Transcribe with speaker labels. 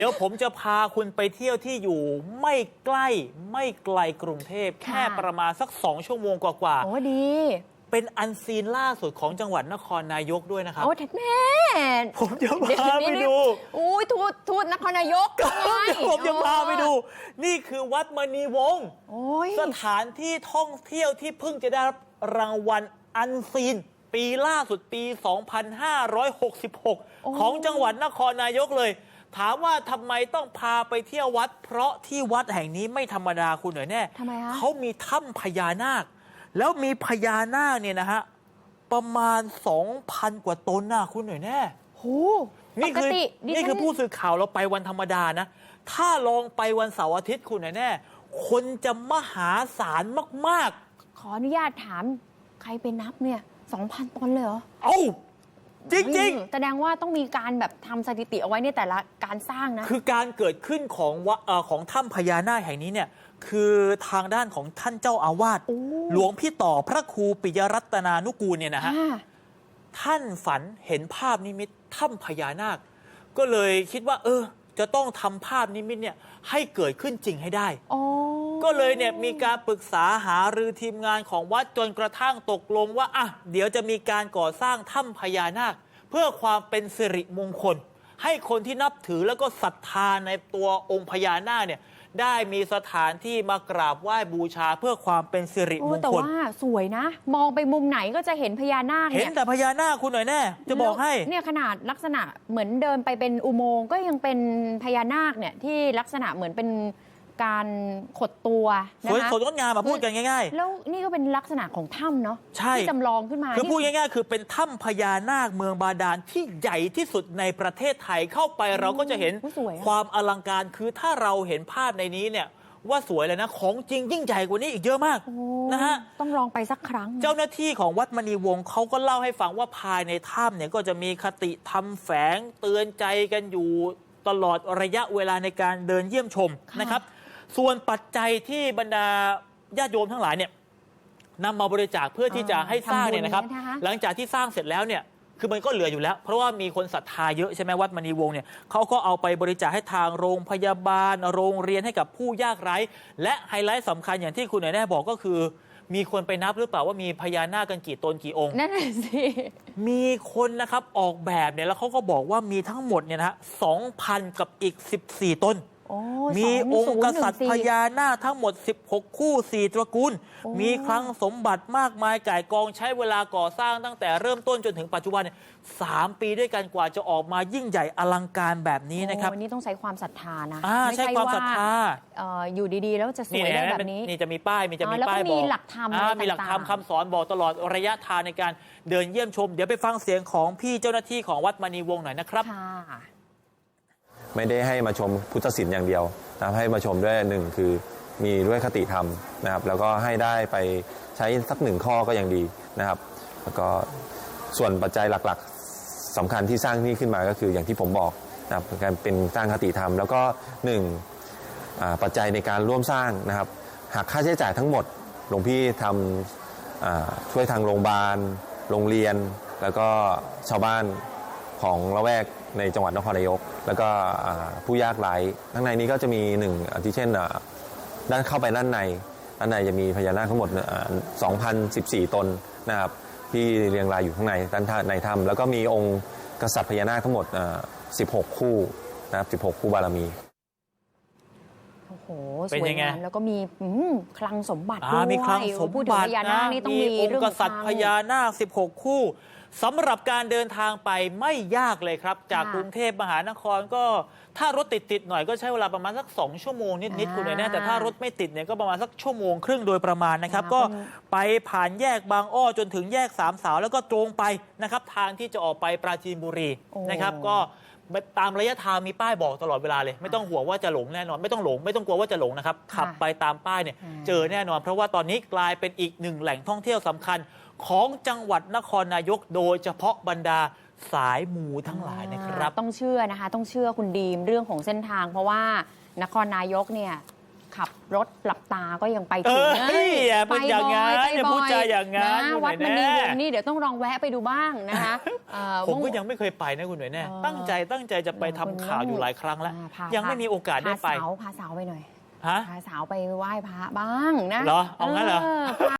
Speaker 1: เดี๋ยวผมจะพาคุณไปเที่ยวที่อยู่ไม่ใกล้ไม่ไกลกรุงเทพแค่ประมาณสัก2 ชั่วโมงกว่า
Speaker 2: โอ้ดี
Speaker 1: เป็นอันซีนล่าสุดของจังหวัดนครนายกด้วยนะครับ
Speaker 2: โอ้แม่
Speaker 1: ผมจะพาไปดู
Speaker 2: อุ้ยทูตนครนายก
Speaker 1: ผมจะพาไปดูนี่คือวัดมณีวงศ์สถานที่ท่องเที่ยวที่เพิ่งจะได้รับรางวัลอันซีนปีล่าสุดปี 2566 ของจังหวัดนครนายกเลยถามว่าทำไมต้องพาไปเที่ยววัดเพราะที่วัดแห่งนี้ไม่ธรรมดาคุณหน่อยแน่เขามีถ้ำพญานาคแล้วมีพญานาคเนี่ยนะฮะประมาณ 2,000 กว่าตนนะคุณหน่อยแน่
Speaker 2: โห
Speaker 1: นี่คือผู้สื่อข่าวเราไปวันธรรมดานะถ้าลองไปวันเสาร์อาทิตย์คุณหน่อยแน่คนจะมหาศาลมาก
Speaker 2: ๆขออนุญาตถามใครไปนับเนี่ย 2,000 ตนเลยเหรอ
Speaker 1: จริง
Speaker 2: แสดงว่าต้องมีการแบบทำสถิติเอาไว้ในแต่ละการสร้างนะ
Speaker 1: คือการเกิดขึ้นของถ้ำพญานาคแห่งนี้เนี่ยคือทางด้านของท่านเจ้าอาวาสหลวงพี่ต่อพระครูปิยรัตนานุกูลเนี่ยนะฮะท่านฝันเห็นภาพนิมิตถ้ำพญานาคก็เลยคิดว่าจะต้องทำภาพนิมิตเนี่ยให้เกิดขึ้นจริงให้ได้ก็เลยเนี่ยมีการปรึกษาหารือทีมงานของวัดจนกระทั่งตกลงว่าเดี๋ยวจะมีการก่อสร้างถ้ำพญานาคเพื่อความเป็นสิริมงคลให้คนที่นับถือแล้วก็ศรัทธาในตัวองค์พญานาคเนี่ยได้มีสถานที่มากราบไหว้บูชาเพื่อความเป็นสิริมงคล
Speaker 2: แต่ว่าสวยนะมองไปมุมไหนก็จะเห็นพญานาค
Speaker 1: เห็นแต่พญานาคคุณหน่อยแน่จะบอกให้
Speaker 2: เนี่ยขนาดลักษณะเหมือนเดินไปเป็นอุโมงค์ก็ยังเป็นพญานาคเนี่ยที่ลักษณะเหมือนเป็นการขดตัว
Speaker 1: นะคะสวยงดงามมาพูดกันง่าย
Speaker 2: ๆแล้วนี่ก็เป็นลักษณะของถ้ำเนาะที่จำลองขึ้นมา
Speaker 1: คือพูดง่ายๆคือเป็นถ้ำพญานาคเมืองบาดาลที่ใหญ่ที่สุดในประเทศไทยเข้าไปเราก็จะเห็นความอลังการคือถ้าเราเห็นภาพในนี้เนี่ยว่าสวยเลยนะของจริงยิ่งใหญ่กว่านี้อีกเยอะมากนะฮะ
Speaker 2: ต้องลองไปสักครั้ง
Speaker 1: เจ้าหน้าที่ของวัดมณีวงศ์เขาก็เล่าให้ฟังว่าภายในถ้ำเนี่ยก็จะมีคติธรรมแฝงเตือนใจกันอยู่ตลอดระยะเวลาในการเดินเยี่ยมชมนะครับส่วนปัจจัยที่บรรดาญาติโยมทั้งหลายเนี่ยนำมาบริจาคเพื่อที่จะให้สร้างเนี่ยนะครับหลังจากที่สร้างเสร็จแล้วเนี่ยคือมันก็เหลืออยู่แล้วเพราะว่ามีคนศรัทธาเยอะใช่ไหมวัดมณีวงศ์เนี่ยเขาก็เอาไปบริจาคให้ทางโรงพยาบาลโรงเรียนให้กับผู้ยากไร้และไฮไลท์สำคัญอย่างที่คุณหน่อยแน่บอกก็คือมีคนไปนับหรือเปล่าว่ามีพญานาคกันกี่ตนกี่องค์
Speaker 2: นั่นแหละสิ
Speaker 1: มีคนนะครับออกแบบเนี่ยแล้วเขาก็บอกว่ามีทั้งหมดเนี่ยนะฮะ 2,000 กับอีก14 ตนมีองค์กษัตริย์พญานาคทั้งหมด16 คู่4 ตระกูลมีคลังสมบัติมากมายก่ายกองใช้เวลาก่อสร้างตั้งแต่เริ่มต้นจนถึงปัจจุบันเนี่ย3 ปีด้วยกันกว่าจะออกมายิ่งใหญ่อลังการแบบนี้นะครับ
Speaker 2: วันนี้ต้องใช้ความศรัทธานะ
Speaker 1: ไม่ใช่ความศรัทธา
Speaker 2: อยู่ดีๆแล้วจะสวยได้แบบนี้
Speaker 1: นี่จะมีป้ายจะมีป้ายบอก
Speaker 2: มีหลักธรรม
Speaker 1: มีหลักธรรมคำสอนบอกตลอดระยะทางในการเดินเยี่ยมชมเดี๋ยวไปฟังเสียงของพี่เจ้าหน้าที่ของวัดมณีวงศ์หน่อยนะครับ
Speaker 3: ไม่ได้ให้มาชมพุทธศิลป์อย่างเดียวนะครับให้มาชมด้วยหนึ่งคือมีด้วยคติธรรมนะครับแล้วก็ให้ได้ไปใช้สัก1 ข้อก็ยังดีนะครับแล้วก็ส่วนปัจจัยหลักๆสำคัญที่สร้างนี่ขึ้นมาก็คืออย่างที่ผมบอกนะครับการเป็นสร้างคติธรรมแล้วก็1ปัจจัยในการร่วมสร้างนะครับหากค่าใช้จ่ายทั้งหมดหลวงพี่ทำช่วยทางโรงพยาบาลโรงเรียนแล้วก็ชาวบ้านของละแวกในจังหวัดนครนายกแล้วก็ผู้ยากไร้ข้างในนี้ก็จะมี1ที่เช่นด้านเข้าไปด้านในจะมีพญานาคทั้งหมด2,014 ตนนะครับที่เรียงรายอยู่ข้างในด้านในถ้ำแล้วก็มีองค์กษัตริย์พญานาคทั้งหมด16 คู่นะครับ16 คู่บารมี
Speaker 2: โอ้โหสวยงามแล้วก็มีคลังสมบัติด้วย
Speaker 1: มีคลังสมบัติ
Speaker 2: พญานาคนี่ต้องมี
Speaker 1: องค์กษัตริย์พญานาค16 คู่สำหรับการเดินทางไปไม่ยากเลยครับจากกรุงเทพมหานครก็ถ้ารถติดหน่อยก็ใช้เวลาประมาณสัก2 ชั่วโมงนิดๆคุณเลยนะแต่ถ้ารถไม่ติดเนี่ยก็ประมาณสัก1.5 ชั่วโมงโดยประมาณนะครับก็ไปผ่านแยกบางอ้อจนถึงแยกสามสาวแล้วก็ตรงไปนะครับทางที่จะออกไปปราจีนบุรีนะครับก็ตามระยะทางมีป้ายบอกตลอดเวลาเลยไม่ต้องห่วงว่าจะหลงแน่นอนไม่ต้องกลัวว่าจะหลงนะครับขับไปตามป้ายเนี่ยเจอแน่นอนเพราะว่าตอนนี้กลายเป็นอีก1 แหล่งท่องเที่ยวสำคัญของจังหวัดนครนายกโดยเฉพาะบรรดาสายมูทั้งหลายนะครับ
Speaker 2: ต้องเชื่อนะคะต้องเชื่อคุณดีมเรื่องของเส้นทางเพราะว่านครนายกเนี่ยขับรถหลับตาก็ยังไปถึง
Speaker 1: อย่าเป็นอย่างงั้นอย่าพูดจาอย่างงั้น
Speaker 2: วัดมณีวงศ์
Speaker 1: นี่
Speaker 2: นี่เดี๋ยวต้องลองแวะไปดูบ้างนะคะ
Speaker 1: ผมก็ยังไม่เคยไปนะคุณหน่วยแน่ตั้งใจจะไปทำข่าวอยู่หลายครั้งแล้วยังไม่มีโอกาสได้ไป
Speaker 2: พาสาวไปหน่อย
Speaker 1: ฮะ
Speaker 2: พาสาวไปไหว้พระบ้างนะ
Speaker 1: เหรอเอางั้นเหรอ